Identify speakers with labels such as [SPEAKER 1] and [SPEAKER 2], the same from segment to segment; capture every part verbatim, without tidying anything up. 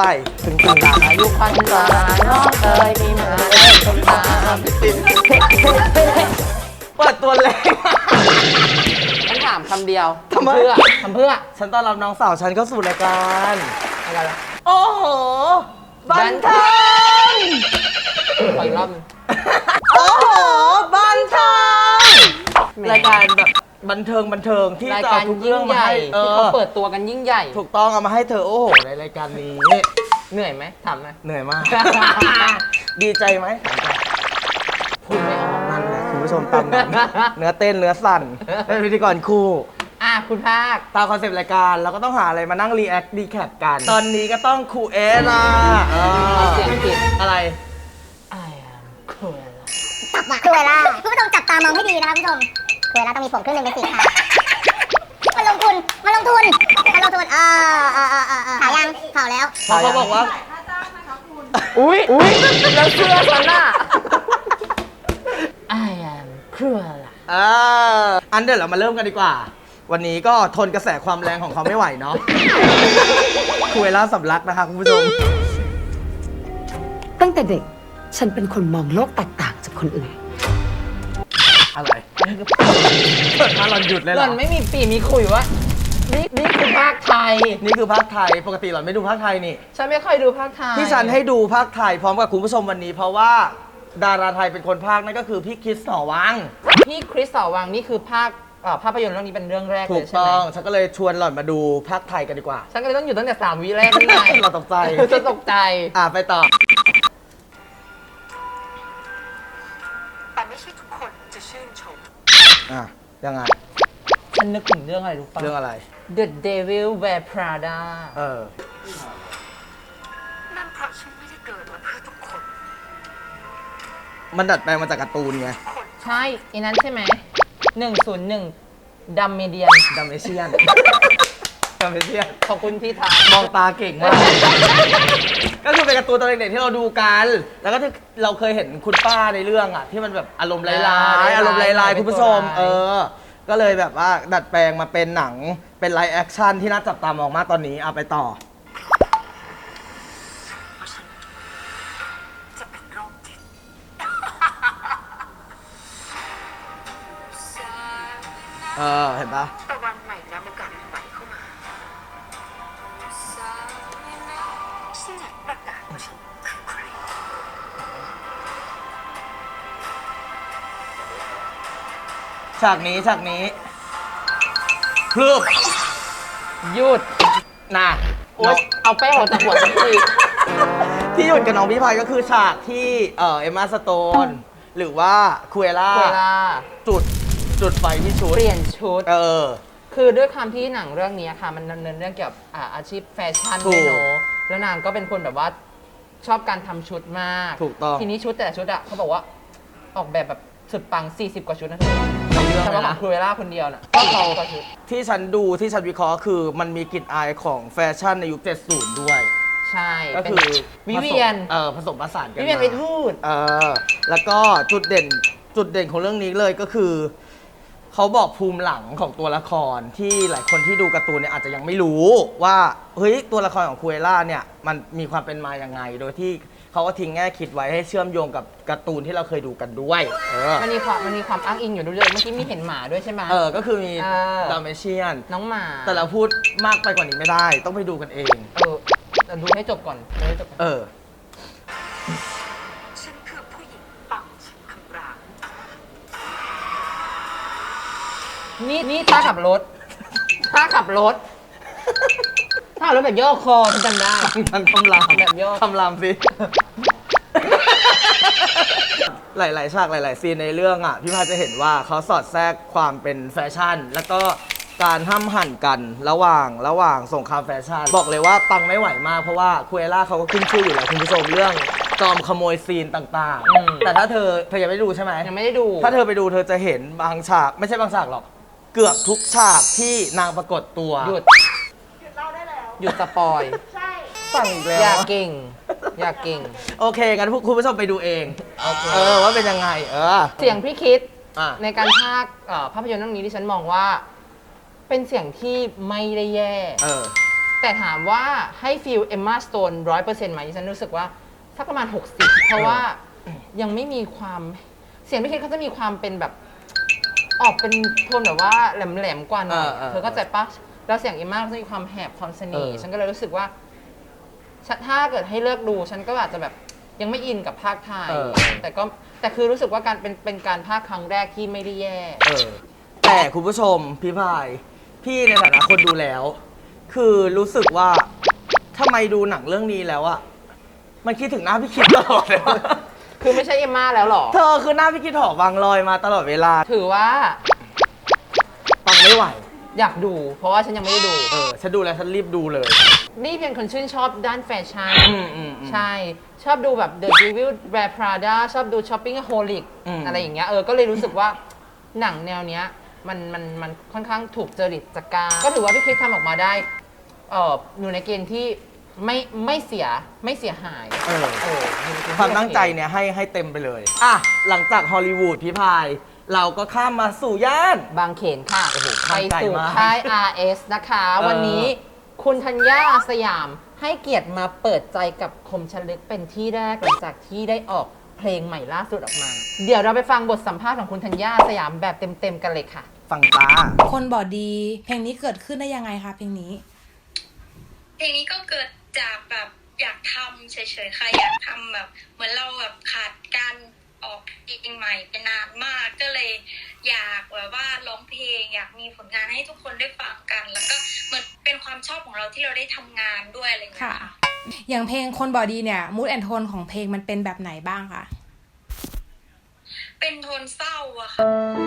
[SPEAKER 1] ไปถึงถึงอายุพันตาน้องเอ๋ยมีมาเล่นคนตามเปิดตัวเลยฉันถามคำเดียวทำเพื่อทำเพื่อฉันต้อนรับน้องสาวฉันเข้าสู่รายการอะไรล่ะโอ้โหบันเทิงขออีกรอบโอ้โหบันเทิงรายการแบบบันเทิงบันเทิงที่จะเอาทุกเรื่องมาให้ที่เขาเปิดตัวกันยิ่งใหญ่ถูกต้องเอามาให้เธอโอ้โหในรายการนี้เหนื่อยไหมถามไหมเหนื่อยมากดีใจไหมพูดไม่ออกนั่นแหละคุณผู้ชมตามนั้นเนื้อเต้นเนื้อสั่นเป็นพิธีกรคู่อ่ะคุณภาคตามคอนเซปต์รายการเราก็ต้องหาอะไรมานั่งรีแอคดีแคปกันตอนนี้ก็ต้องครูเอล่ะเสียงผิดอะไรครูเอล่าจับมาครูเอล่าคุณผู้ชมจับตามองให้ดีนะคะคุณผู้ชมครูเอล่าต้องมีผมครึ่งหนึ่งเป็นสีขาวมันลงทุนมันลงทุนมันลงทุนอ่าอ่าอ่าอ่าข่าวยังข่าวแล้วเขาบอกว่าอุ้ยอุ้ยแล้วเสื้อฉันน่ะI am Cruella อ่าอันเดี๋ยวเรามาเริ่มกันดีกว่าวันนี้ก็ทนกระแสความแรงของเขาไม่ไหวเนาะครูเอล่าสำลักนะคะคุณผู้ชม
[SPEAKER 2] ตั้งแต่เด็กฉันเป็นคนมองโลกแตกต่างจากคนอื่น
[SPEAKER 1] อะไรเปิดมาหล่อนหยุดเลยเหรอหล่อนไม่มีปีมีคุยวะนี่นี่คือภาคไทยนี่คือภาคไทยปกติหล่อนไม่ดูภาคไทยนี่ฉันไม่ค่อยดูภาคไทยที่ฉันให้ดูภาคไทยพร้อมกับคุณผู้ชมวันนี้เพราะว่าดาราไทยเป็นคนภาคนั่นก็คือพี่คริสหอวังพี่คริสหอวังนี่คือภาคภาพยนตร์เรื่องนี้เป็นเรื่องแรกเลยใช่ไหมถูกต้องฉันก็เลยชวนหล่อนมาดูภาคไทยกันดีกว่าฉันก็เลยต้องอยู่ตั้งแต่สามวิแรกนี่ไงเราตกใจจะตกใจอ่ะไปต่อ
[SPEAKER 2] แต่ไม่ใช่ทุกคนจะชื่นชม
[SPEAKER 1] อ่ะยังไงฉันนึกถึงเรื่องอะไรรู้ป่ะเรื่องอะไร The Devil Wears Prada เออ
[SPEAKER 2] นั่นเพราะฉันไม่ได้เกิดมาเพื่อทุกคน
[SPEAKER 1] มันดัดแปลงมาจากการ์ตูนไงใช่อีนั้นใช่ไหมหนึ่งศูนย์หนึ่งดัมเมเดียนดัมเมเชียนดัมเมเชียนขอบคุณพี่ทามองตาเก่งมากก็คือเป็นการ์ตูนตอนเด็กๆที่เราดูกันแล้วก็ที่เราเคยเห็นคุณป้าในเรื่องอ่ะที่มันแบบอารมณ์ร้ายๆอารมณ์ร้ายๆคุณผู้ชมเออก็เลยแบบว่าดัดแปลงมาเป็นหนังเป็นไลฟ์แอคชั่นที่น่าจับตามองมากตอนนี้เอาไปต่อ
[SPEAKER 2] จะเป็นโรคจิต
[SPEAKER 1] เออเห็นปะ
[SPEAKER 2] ตะวันใหม่แล้วโอกาสใหม่เข้ามาฉันอยากประกาศว่าฉันคือใคร
[SPEAKER 1] ฉากนี้ฉากนี้พลึบหยุดนะโอ๊ยเอาแป้งออกจากหัวสักทีที่หยุดกับน้องพี่พายก็คือฉากที่เอ่อเอมมาสโตนหรือว่าคูเอล่าจุดจุดไฟที่ชุดเปลี่ยนชุดเออคือด้วยความที่หนังเรื่องนี้ค่ะมันดำเนินเรื่องเกี่ยวกับอาชีพแฟชั่นด้วยเนาะแล้วนางก็เป็นคนแบบว่าชอบการทำชุดมากถูกต้องทีนี้ชุดแต่ละชุดอ่ะเขาบอกว่าออกแบบแบบสุดปังสี่สิบกว่าชุดนะเธอเฉพาะของครูเอล่าคนเดียวน่ะก็เขาที่ฉันดูที่ฉันวิเคราะห์คือมันมีกลิ่นอายของแฟชั่นในยุคเจ็ดสิบด้วยใช่ก็คือวิเวียนเออผสมผสานกันวิเวียนไปทูดเออแล้วก็จุดเด่นจุดเด่นของเรื่องนี้เลยก็คือเขาบอกภูมิหลังของตัวละครที่หลายคนที่ดูการ์ตูนเนี่ยอาจจะยังไม่รู้ว่าเฮ้ยตัวละครของครูเอล่าเนี่ยมันมีความเป็นมาอย่างไงโดยที่เขาก็ทิ้งแง่คิดไว้ให้เชื่อมโยงกับการ์ตูนที่เราเคยดูกันด้วยเออมันมีความมันมีความอ้างอิงอยู่ด้วยเมื่อกี้มีเห็นหมาด้วยใช่ไหมเออก็คือมีดัมเมเชียนน้องหมาแต่เราพูดมากไปกว่านี้ไม่ได้ต้องไปดูกันเองเออแต่ดูให้จบก่อนดูให้จบก่อนเออ
[SPEAKER 2] ฉันคือผู้หญิงปังฉันคำราม
[SPEAKER 1] นี่นี่ท่าขับรถท่าขับรถท่ารถแบบย่อคอจำได้มันคำรามแบบย่อคำรามสิหลายๆฉากหลายๆซีนในเรื่องอ่ะพี่พาจะเห็นว่าเขาสอดแทรกความเป็นแฟชั่นแล้วก็การห้ามหั่นกันระหว่างระหว่างสงครามแฟชั่นบอกเลยว่าปังไม่ไหวมากเพราะว่าคูเอล่าเขาก็ขึ้นชื่ออยู่แล้วคุณผู้ชมเรื่องจอมขโมยซีนต่างๆแต่ถ้าเธอเธอยังไม่ดูใช่ไหมยังไม่ได้ดูถ้าเธอไปดูเธอจะเห็นบางฉากไม่ใช่บางฉากหรอกเกือบทุกฉากที่นางปรากฏตัวหยุดหยุดเล่าได้แล้วหยุดสปอยใช่สั่งอีกแล้วอยากเก่งอยากเก่งโอเคงั้นคุณผู้ชมไปดูเองเออว่าเป็นยังไงเออเสียงพี่คิดในการพากย์ภาพยนตร์เรื่องนี้ที่ฉันมองว่าเป็นเสียงที่ไม่ได้แย่เออ
[SPEAKER 3] แต่ถามว่าให้ฟีลเอมมาสโตนร้อยเปอร์เซ็นต์ไหมฉันรู้สึกว่าสักประมาณหกสิบเพราะว่ายังไม่มีความเสียงพี่คิดเขาจะมีความเป็นแบบออกเป็นโทนแบบว่าแหลมๆกว่าหน่อยเธอเข้าใจปะแล้วเสียงเอมมาก็จะมีความแหบความเสน่ห์ฉันก็เลยรู้สึกว่าถ้าเกิดให้เลือกดูฉันก็อาจจะแบบยังไม่อินกับภาคไทยแต่ก็แต่คือรู้สึกว่าการเป็นเป็นการภาคครั้งแรกที่ไม่ได้แย่
[SPEAKER 1] แต่คุณผู้ชมพี่พายพี่ในฐานะคนดูแล้ว คือรู้สึกว่าทำไมดูหนังเรื่องนี้แล้วอะมันคิดถึงหน้าพี่คิดตลอดเลย
[SPEAKER 3] คือไม่ใช่เอมม่าแล้วหรอ
[SPEAKER 1] เธอคือหน้าพี่คิดหอวางลอยมาตลอดเวลา
[SPEAKER 3] ถือว่า
[SPEAKER 1] ฟังไม่ไหว
[SPEAKER 3] อยากดูเพราะว่าฉันยังไม่ได้ดู
[SPEAKER 1] เออฉันดูแล้วฉันรีบดูเลย
[SPEAKER 3] นี่เป็นคนชื่นชอบด้านแฟชั่นใช่ชอบดูแบบ The Devil Wears Prada ชอบดู Shoppingaholic อะไรอย่างเงี้ยเออก็เลยรู้สึกว่าหนังแนวเนี้ยมันมันมันค่อนข้างถูกจริตจักรก็ถือว่าพี่คริสทำออกมาได้เอออยู่ในเกณฑ์ที่ไม่ไม่เสียไม่เสียหายเออเออ
[SPEAKER 1] ความตั้งใจเนี่ยให้ให้เต็มไปเลยอ่ะหลังจากฮอลลีวูดพี่พายเราก็ข้ามมาสู่ย่าน
[SPEAKER 3] บางเขนค่ะไปสู่ค่าย อาร์ เอส นะคะวันนี้คุณธัญญาอาสยามให้เกียรติมาเปิดใจกับคมชลึกเป็นที่แรกหลังจากที่ได้ออกเพลงใหม่ล่าสุดออกมาเดี๋ยวเราไปฟังบทสัมภาษณ์ของคุณธัญญาอาสยามแบบเต็มๆกันเลยค่ะ
[SPEAKER 1] ฟังจ้า
[SPEAKER 4] คนบอดีเพลงนี้เกิดขึ้นได้ยังไงคะเพลงนี้
[SPEAKER 5] เพลงนี้ก็เกิดจากแบบอยากทำเฉยๆค่ะอยากทำแบบเหมือนเราแบบขาดการออกเพลงใหม่ไปนานมากก็เลยอยากแบบว่าร้องเพลงอยากมีผลงานให้ทุกคนได้ฟังกันแล้วก็เหมือนเป็นความชอบของเราที่เราได้ทำงานด้วยอะไรอย่างเงี้ยค่ะ
[SPEAKER 4] อย่างเพลงคนบอดีเนี่ยมูดแอนโทนของเพลงมันเป็นแบบไหนบ้างคะ
[SPEAKER 5] เป็นโทนเศร้าอะค่ะ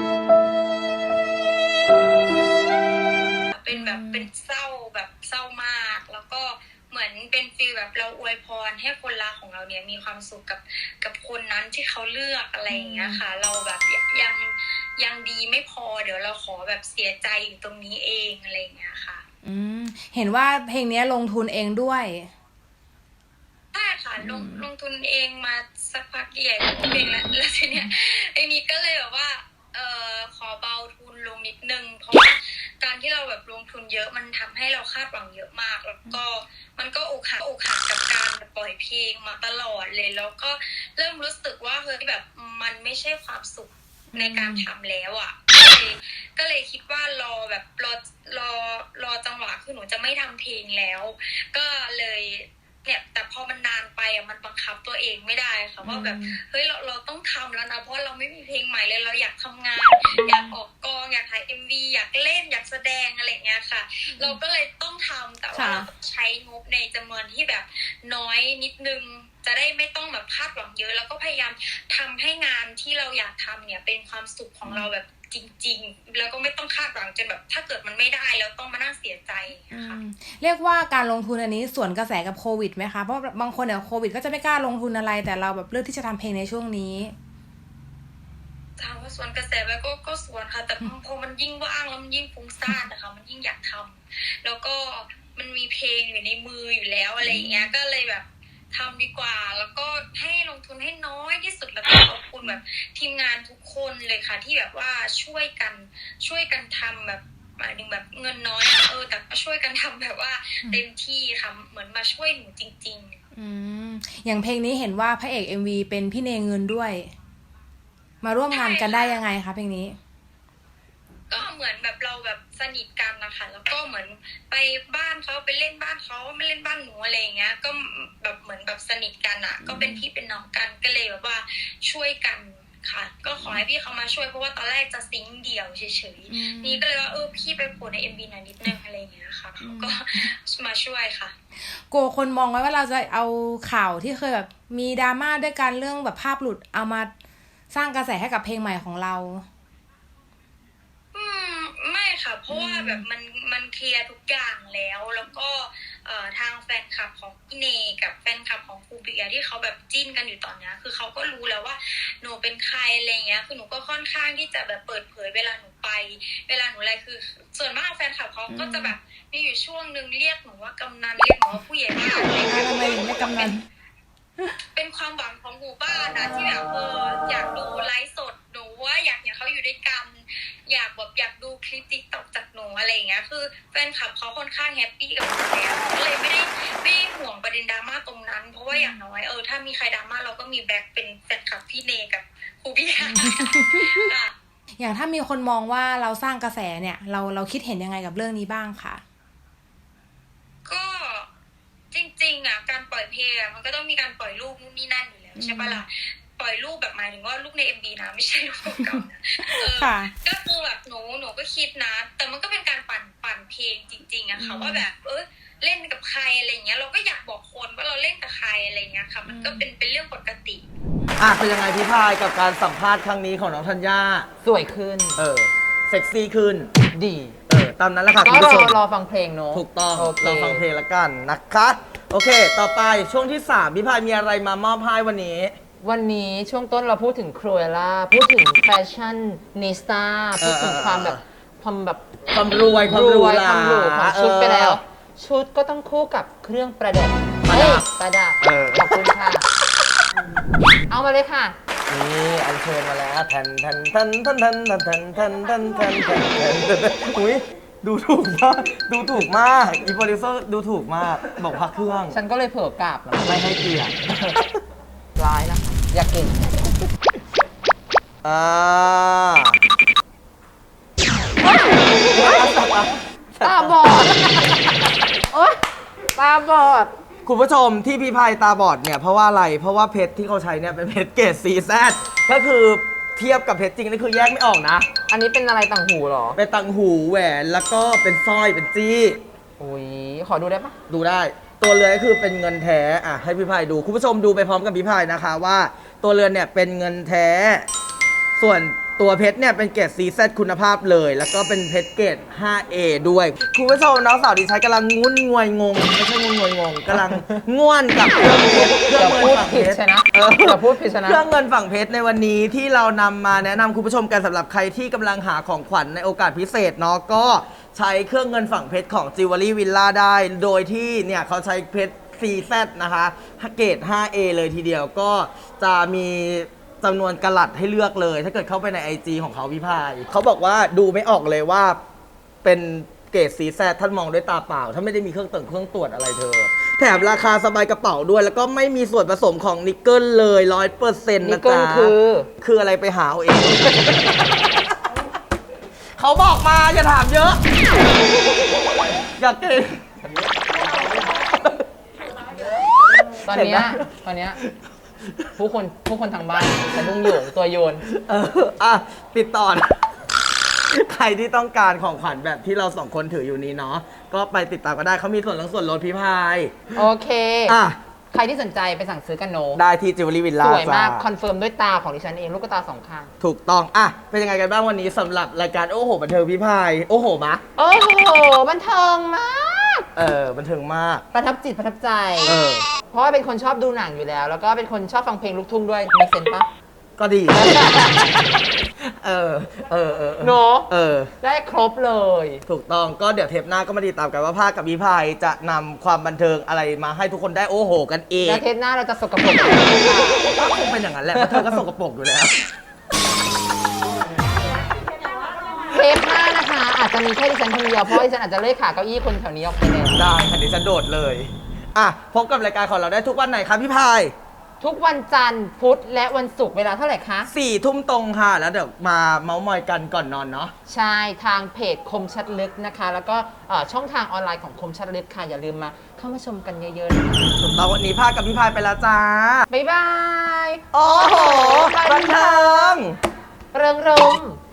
[SPEAKER 5] เป็นแบบเป็นเศร้าแบบเศร้ามากแล้วก็เหมือนเป็นฟีลแบบเราอวยพรให้คนรักของเราเนี่ยมีความสุขกับกับคนนั้นที่เขาเลือกอะไรอย่างเงี้ยค่ะเราแบบยังยังดีไม่พอเดี๋ยวเราขอแบบเสียใจอยู่ตรงนี้เองอะไรอย่างเงี้ยค่ะ
[SPEAKER 4] อืมเห็นว่าเพลงนี้ลงทุนเองด้วย
[SPEAKER 5] ใช่ค่ะลงลงทุนเองมาสักพักใหญ่เพลงแล้วแล้วทีเนี้ยไอ้นี้ก็เลยแบบว่าเอ่อขอเบาทุนลงนิดนึงเพราะว่าการที่เราแบบลงทุนเยอะมันทำให้เราคาดหวังเยอะมากแล้วก็มันก็อกหักอกหักกับการปล่อยเพลงมาตลอดเลยแล้วก็เริ่มรู้สึกว่าเฮ้ยแบบมันไม่ใช่ความสุขในการทำแล้วอ่ะก็เลยก็เลยคิดว่ารอแบบรอรอรอจังหวะคือหนูจะไม่ทำเพลงแล้วก็เลยเนี่ยแต่พอมันนานไปอ่ะมันบังคับตัวเองไม่ได้ค่ะว่าแบบเฮ้ยเราเราต้องทำแล้วนะเพราะเราไม่มีเพลงใหม่เลยเราอยากทำงานอยากออกกองอยากถ่าย เอ็ม วี อยากเล่นอยากแสดงอะไรเงี้ยค่ะเราก็เลยต้องทำแต่ว่าเราต้องใช้งบในจำนวนที่แบบน้อยนิดนึงจะได้ไม่ต้องแบบคาดหวังเยอะแล้วก็พยายามทำให้งานที่เราอยากทำเนี่ยเป็นความสุขของเราแบบจริงๆแล้วก็ไม่ต้องคาดหวังจนแบบถ้าเกิดมันไม่ได้แล้วต้องมานั่งเสียใจค่ะ
[SPEAKER 4] เรียกว่าการลงทุนอันนี้สวนกระแสกับโควิดไหมคะเพราะบางคนเนี่ยโควิดก็จะไม่กล้าลงทุนอะไรแต่เราแบบเลือกที่จะทำเพลงในช่วงนี้
[SPEAKER 5] ถามว่าสวนกระแสไปก็ก็สวนค่ะแต่พอมันยิ่งว่างแล้วมันยิ่งฟุ้งซ่านนะคะมันยิ่งอยากทำแล้วก็มันมีเพลงอยู่ในมืออยู่แล้วอะไรอย่างเงี้ยก็เลยแบบทำดีกว่าแล้วก็ให้ลงทุนให้น้อยที่สุดแล้วก็ขอบคุณแบบทีมงานทุกคนเลยค่ะที่แบบว่าช่วยกันช่วยกันทำแบบหมายถึงแบบเงินน้อยเออแต่ก็ช่วยกันทำแบบว่าเต็มที่ค่ะเหมือนมาช่วยหนูจริง
[SPEAKER 4] ๆอืมอย่างเพลงนี้เห็นว่าพระเอก เอ็ม วี เป็นพี่เนเงินด้วยมาร่วมงานกันได้ยังไงคะเพลงนี้
[SPEAKER 5] ก็เหมือนแบบเราแบบสนิทกันนะคะแล้วก็เหมือนไปบ้านเขาไปเล่นบ้านเขาไม่เล่นบ้านหนูอะไรอย่างเงี้ยก็แบบเหมือนแบบสนิทกันอ่ะก็เป็นพี่เป็นน้องกันก็เลยแบบว่าช่วยกันค่ะก็ขอให้พี่เขามาช่วยเพราะว่าตอนแรกจะซิงค์เดี่ยวเฉยๆนี่ก็เลยว่าเออพี่ไปโผล่ใน เอ็ม วี หน่อยนิดนึงอะไรอย่างเงี้ยค่ะเขาก็มาช่วยค่ะ
[SPEAKER 4] โกคนมองไว้ว่าเราจะเอาข่าวที่เคยแบบมีดราม่าด้วยกันเรื่องแบบภาพหลุดเอามาสร้างกระแสให้กับเพลงใหม่ของเรา
[SPEAKER 5] อืมไม่ค่ะเพราะว่าแบบมันมันเคลียร์ทุกอย่างแล้วแล้วก็เอ่อทางแฟนคลับของพี่เนกับแฟนคลับของครูเบียร์ที่เขาแบบจิ้นกันอยู่ตอนนี้คือเขาก็รู้แล้วว่าหนูเป็นใครอะไรเงี้ยคือหนูก็ค่อนข้างที่จะแบบเปิดเผยเวลาหนูไปเวลาหนูอะไรคือส่วนมากแฟนคลับเขาก็จะแบบมีอยู่ช่วงนึงเรียกหนูว่ากำนันเรียกหนูว่าผู้ใหญ่บ้านอะไรเงี้ย
[SPEAKER 4] ทำไมถึงไม่กำนัน
[SPEAKER 5] เป็นความหวังของหมู่บ้านนะที่แบบเอออยากดูไลฟ์สดหนูว่าอยากเห็นเขาอยู่ด้วยกันอยากแบบอยากดูคลิปติ๊กต็อกจากหนูอะไรอย่างเงี้ยคือแฟนคลับเขาค่อนข้างแฮปปี้กับหนูแล้วก็เลยไม่ได้ไม่ได้ห่วงประเด็นดราม่าตรงนั้น เพราะว่าอย่างน้อยเออถ้ามีใครดราม่าเราก็มีแบ็คเป็นแฟนคลับพี่เนกับครูพี่ยาค่ะ
[SPEAKER 4] อย่างถ้ามีคนมองว่าเราสร้างกระแสเนี่ย เราเราคิดเห็นยังไงกับเรื่องนี้บ้างคะ
[SPEAKER 5] ก็จริงๆอ่ะการปล่อยเพลงอ่ะมันก็ต้องมีการปล่อยรูปนู่นนี่นั่นอยู่แล้วใช่ปะล่ะปล่อยรูปแบบหมายถึงว่ารูปใน เอ็ม วี นะไม่ใช่รูปเก่านะเออ
[SPEAKER 4] ค่ะ
[SPEAKER 5] ก็คือแบบหนูหนูก็คิดนะ แต่มันก็เป็นการปั่นปั่นเพลงจริงๆอะค่ะว่าแบบเออเล่นกับใครอะไรเงี้ยเราก็อยากบอกคนว่าเราเล่นกับใครอะไรเงี้ยค่ะมันก็เป็นเป็นเรื่องปกติ
[SPEAKER 1] อ่ะเป็นยังไงพี่พายกับการสัมภาษณ์ครั้งนี้ของน้องธัญญา
[SPEAKER 3] สวยขึ้น
[SPEAKER 1] เออเซ็กซี่ขึ้น
[SPEAKER 3] ดี
[SPEAKER 1] เออตามนั้นแหละค่ะ
[SPEAKER 3] ก็
[SPEAKER 1] คุณ
[SPEAKER 3] ร
[SPEAKER 1] ผู้ช
[SPEAKER 3] อ
[SPEAKER 1] ม
[SPEAKER 3] รอฟังเพลงเนอะ
[SPEAKER 1] ถูกต้อง
[SPEAKER 3] โอเค
[SPEAKER 1] เราฟังเพลงละกันนะคะโอเค ต่อไปช่วงที่สามพี่พายมีอะไรมามอบให้วันนี้
[SPEAKER 3] วันนี้ช่วงต้นเราพูดถึงครูเอล่าพูดถึงแฟชั่นนิสตาพูดถึงความแบบความแบบ
[SPEAKER 1] ความรวยความหรูหรา
[SPEAKER 3] ความหรูของชุดไปแล้ว
[SPEAKER 1] เออ
[SPEAKER 3] ชุดก็ต้องคู่กับเครื่องประดับ
[SPEAKER 1] ประดับ
[SPEAKER 3] เอ้ยประดับ
[SPEAKER 1] เออ
[SPEAKER 3] ขอบคุณค่ะ เอามาเลยค่ะ
[SPEAKER 1] นี่อัญเชิญมาแล้วแทนแทนแทนแทนแทนแทนแทนแทนแทนแทนแทนแทนอุ้ยดูถูกมากดูถูกมากอีโปรดิวเซอร์ดูถูกมากบอกพักเครื่อง
[SPEAKER 3] ฉันก็เลยเผลอกราบแล้ว
[SPEAKER 1] ไม่ให้เกียรติ
[SPEAKER 3] ร้ายนะคะอยากกิน
[SPEAKER 1] อ่า
[SPEAKER 3] ตาบอด โอ๊ยตาบอด
[SPEAKER 1] คุณผู้ชมที่พี่พายตาบอดเนี่ยเพราะว่าอะไรเพราะว่าเพชรที่เขาใช้เนี่ยเป็นเพชรเกรด ซี แซด ก็คือเทียบกับเพชรจริงนี่คือแยกไม่ออกนะ
[SPEAKER 3] อันนี้เป็นอะไรต่างหูเหรอ
[SPEAKER 1] เป็นตังหูแหวนแล้วก็เป็นสร้อยเป็นจี้
[SPEAKER 3] อุ้ยขอดูได้ปะ
[SPEAKER 1] ดูได้ ตัวเรือนก็คือเป็นเงินแท้อ่ะให้พี่พายดูคุณผู้ชมดูไปพร้อมกับพี่พายนะคะว่าตัวเรือนเนี่ยเป็นเงินแท้ ส่วนตัวเพชรเนี่ยเป็นเกรด ซี แซด คุณภาพเลย แล้วก็เป็นเพชรเกรด ห้า เอ ด้วยคุณผู้ชมน้องสาวดิฉันกำลังงุ้นงวยงงไม่ใช่งุ้นงวยงงกำลังง่วนกับเครื่องเพชรเครื่
[SPEAKER 3] อย่า
[SPEAKER 1] เงิ
[SPEAKER 3] พูด
[SPEAKER 1] ฝั่ง
[SPEAKER 3] ผิด
[SPEAKER 1] เพชร
[SPEAKER 3] ใช่นะ
[SPEAKER 1] เออ
[SPEAKER 3] อย่าพูดผิดใช่นะ
[SPEAKER 1] เครื่องเงินฝั่งเพชรในวันนี้ที่เรานำมาแนะนำคุณผู้ชมกันสำหรับใครที่กำลังหาของขวัญในโอกาสพิเศษเนาะก็ใช้เครื่องเงินฝั่งเพชรของ Jewelry Villa ได้ โดยที่เนี่ยเขาใช้เพชร ซี แซด นะคะเกรด ห้า เอ เลยทีเดียวก็จะมีจำนวนกะลัดให้เลือกเลย ถ้าเกิดเข้าไปใน ไอ จี ของเขาพี่พายเขาบอกว่าดูไม่ออกเลยว่าเป็นเกรด ซี แซด ท่านมองด้วยตาเปล่า ถ้าไม่ได้มีเครื่องตรวจเครื่องตรวจอะไรเธอ แถมราคาสบายกระเป๋าด้วย แล้วก็ไม่มีส่วนผสมของนิกเกิลเลยร้อยเปอร์เซ็นต์
[SPEAKER 3] นิ
[SPEAKER 1] นะ
[SPEAKER 3] กเกิล
[SPEAKER 1] จ๊ะ
[SPEAKER 3] คือ
[SPEAKER 1] คืออะไรไปหาเอาเอง เขาบอกมาอย่าถามเยอะ อยากเก่ง
[SPEAKER 3] ตอนเนี้ย
[SPEAKER 1] เห็นปะ
[SPEAKER 3] ตอนเนี้ยผู้คนผู้คนทางบ้านสะดุ้งโยงตัวโยน
[SPEAKER 1] เอออ่ะปิดต่อนะ ใครที่ต้องการของขวัญแบบที่เราสองคนถืออยู่นี้เนาะก็ไปติดตามก็ได้เขามีส่วนลดส่วนลดพี่พาย
[SPEAKER 3] โอเค
[SPEAKER 1] อ่ะ
[SPEAKER 3] ใครที่สนใจไปสั่งซื้อกันโน
[SPEAKER 1] ได้ที่จิวเวลรี่วิลล่า
[SPEAKER 3] สวยมาก
[SPEAKER 1] จ้า
[SPEAKER 3] คอนเฟิร์มด้วยตาของดิฉันเอง ลูกตาสองข้าง
[SPEAKER 1] ถูกต้อง อ่ะ เป็นยังไงกันบ้างวันนี้สำหรับรายการโอ้โหบันเทิงพี่พาย โอ้โหมะ
[SPEAKER 3] โอ้โห บันเทิงมาก
[SPEAKER 1] เออ บันเทิงมาก
[SPEAKER 3] ประทับจิตประทับใจ
[SPEAKER 1] เออ
[SPEAKER 3] เพราะว่าเป็นคนชอบดูหนังอยู่แล้ว แล้วก็เป็นคนชอบฟังเพลงลูกทุ่งด้วยมีเซนปะ
[SPEAKER 1] ก็ดี เออ เออ เออ
[SPEAKER 3] เนอะ
[SPEAKER 1] เออ
[SPEAKER 3] ได้ครบเลย
[SPEAKER 1] ถูกต้องก็เดี๋ยวเทปหน้าก็มาติดตามกันว่าภาคกับพี่พายจะนำความบันเทิงอะไรมาให้ทุกคนได้โอ้โหกันเอง
[SPEAKER 3] แล้วเทปหน้าเราจะสกปรกกันหรือเปล่า
[SPEAKER 1] ก็คงเป็นอย่างนั้นแหละเพราะเธอก็สกปรกอยู่แล้ว
[SPEAKER 3] เทปหน้านะคะ อาจจะมีแค่ดิฉันคนเดียวเพราะดิฉันอาจจะเลื่อยขาเก้าอี้คนแถวนี้ออกไปแล้ว
[SPEAKER 1] ได้ค่ะดิฉันโดดเลย อ่ะ พบกับรายการของเราได้ทุกวันไหนครับพี่พาย
[SPEAKER 3] ทุกวันจันทร์พุธและวันศุกร์เวลาเท่าไหร่คะ
[SPEAKER 1] สี่ทุ่มตรงค่ะ แล้วเดี๋ยวมาเมาส์มอยกันก่อนนอนเนาะ
[SPEAKER 3] ใช่ทางเพจคมชัดลึกนะคะ แล้วก็เอ่อช่องทางออนไลน์ของคมชัดลึกค่ะ อย่าลืมมาเข้ามาชมกันเยอะๆนะคะ
[SPEAKER 1] ถูกต้องวันนี้ภาคกับพี่พายไปแล้วจ้า
[SPEAKER 3] บ๊ายบาย
[SPEAKER 1] โอ้โห บันเทิง
[SPEAKER 3] เริงรมย์